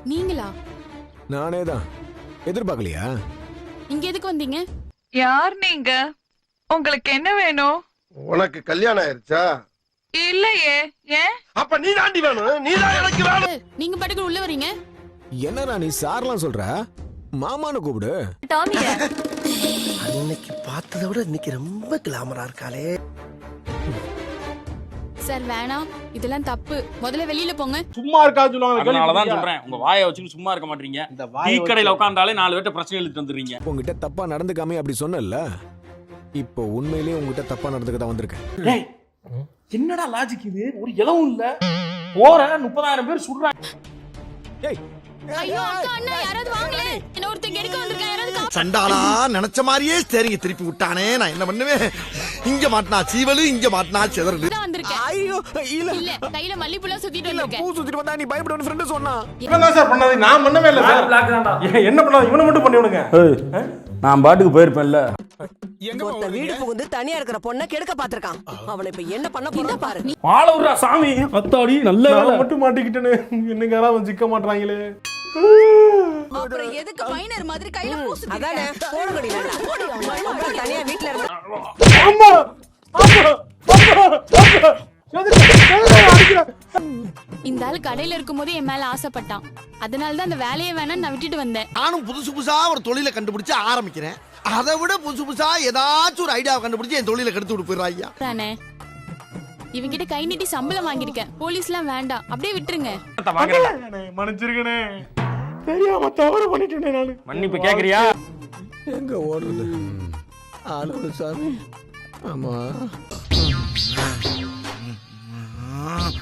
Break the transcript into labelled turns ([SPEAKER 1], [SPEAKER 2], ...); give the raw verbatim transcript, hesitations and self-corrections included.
[SPEAKER 1] நீங்களா?
[SPEAKER 2] நானே தான். எதிர்பார்க்கலையா?
[SPEAKER 1] இங்க எதுக்கு வந்தீங்க?
[SPEAKER 3] யார் நீங்க? உங்களுக்கு என்ன வேணும்?
[SPEAKER 4] உனக்கு கல்யாணம் ஆயிருச்சா?
[SPEAKER 3] இல்லையே. ஏன்?
[SPEAKER 4] அப்ப நீ தாண்டி வேணும். நீ தான் எனக்கு வேணும்.
[SPEAKER 1] நீங்க பாட்டுக்கு உள்ள வரீங்க.
[SPEAKER 2] என்னடா நீ சார்லாம் சொல்ற? மாமான்னு கூப்பிடு.
[SPEAKER 1] டாமிங்க.
[SPEAKER 5] அன்னைக்கு பார்த்ததை விட இன்னைக்கு ரொம்ப கிளாமரா இருக்காளே.
[SPEAKER 1] சார் வேணாம், இதெல்லாம் தப்பு. முதல்ல வெளியில போங்க.
[SPEAKER 6] சும்மா இருக்கா சொல்லுவாங்க.
[SPEAKER 7] அதனாலதான் சொல்றேன், உங்க வாயை வச்சுட்டு சும்மா இருக்க மாட்டீங்க. டீ கடையில உட்கார்ந்தாலே நாலு பேர்ட்ட பிரச்சனை எழுதிட்டு வந்துடுறீங்க.
[SPEAKER 2] உங்ககிட்ட தப்பா நடந்துக்காமே அப்படி சொன்னல. இப்போ உண்மையிலேயே உங்ககிட்ட தப்பா நடந்துக்க தான் வந்திருக்கேன்.
[SPEAKER 7] டேய், என்னடா லாஜிக் இது? ஒரு இலவும் இல்ல. போற முப்பதாயிரம் பேர் சுடுறாங்க.
[SPEAKER 2] டேய்,
[SPEAKER 1] ஐயோ அக்கா அண்ணா யாராவது வாங்களே. என்ன ஒருத்தங்க எடுக்க வந்திருக்காங்க. யாராவது கா-
[SPEAKER 5] சண்டாளா நினைச்ச மாதிரியே ஸ்டேரிங்க திருப்பி விட்டானே. நான் என்ன பண்ணுவேன்? இங்க மாட்டினா சீவலு, இங்க மாட்டினா செதறலு.
[SPEAKER 1] தான் வந்திருக்கேன்.
[SPEAKER 2] ஐயோ இல்ல
[SPEAKER 1] இல்ல, கையில மல்லிப்பூல சுத்திட்டு
[SPEAKER 2] இல்ல,
[SPEAKER 1] வந்திருக்கேன்.
[SPEAKER 2] பூ சுத்திட்டு வந்தா நீ பயப்படுவன்னு ஃப்ரெண்ட் சொன்னா.
[SPEAKER 6] இவன் தான் சார் பண்ணாது. நான் பண்ணவே இல்ல சார். என்ன பண்ணாது? இவனை மட்டும் பண்ணி விடுங்க.
[SPEAKER 7] நான் பாட்டுக்கு போயிருப்பேன்ல.
[SPEAKER 2] எங்க
[SPEAKER 8] ஒருத்த வீடு புகுந்து தனியா இருக்கிற பொண்ண கெடுக்க பாத்திருக்கான். அவனை இப்ப என்ன பண்ண போறா பாரு.
[SPEAKER 7] மாலவுரா சாமி. அத்தாடி நல்ல
[SPEAKER 6] நான்
[SPEAKER 7] வேலை.
[SPEAKER 6] மட்டும் மாட்டிக்கிட்டேனே. என்னங்க யாராவது சிக்க மாட்டாங்களே.
[SPEAKER 8] அப்புறம் எதுக்கு மைனர் மாதிரி கையில பூசு? அதானே போடுங்கடி நல்லா. அப்புறம் தனியா வீட்ல இருக்க.
[SPEAKER 6] அம்மா அம்மா அம்மா எதுக்கு எதுக்கு அடிக்கிற?
[SPEAKER 1] இந்த ஆள் கடையில இருக்கும்போது என் மேல ஆசைப்பட்டான். அதனால தான் அந்த வேலையை வேணாம்னு நான் விட்டுட்டு வந்தேன்.
[SPEAKER 5] நானும் புதுசு புதுசா ஒரு தொழிலை கண்டுபிடிச்சு ஆரம்பிக்கிறேன். அதை விட புதுசு புதுசா ஏதாச்சும் ஒரு ஐடியாவை கண்டுபிடிச்சு என் தொழிலை கெடுத்து விட்டு போயிடுறாய்யா.
[SPEAKER 1] தானே இவங்கிட்ட கை நீட்டி சம்பளம் வாங்கியிருக்கேன். போலீஸ்லாம் வேண்டாம், அப்படியே விட்டுருங்க.
[SPEAKER 6] மன்னிச்சிருக்கனே. தெரியாம தவறு பண்ணிட்டேனே நானு.
[SPEAKER 7] மன்னிப்பு கேக்குறியா?
[SPEAKER 2] எங்க ஓடுறது? ஆளோட சாமி. ஆமா.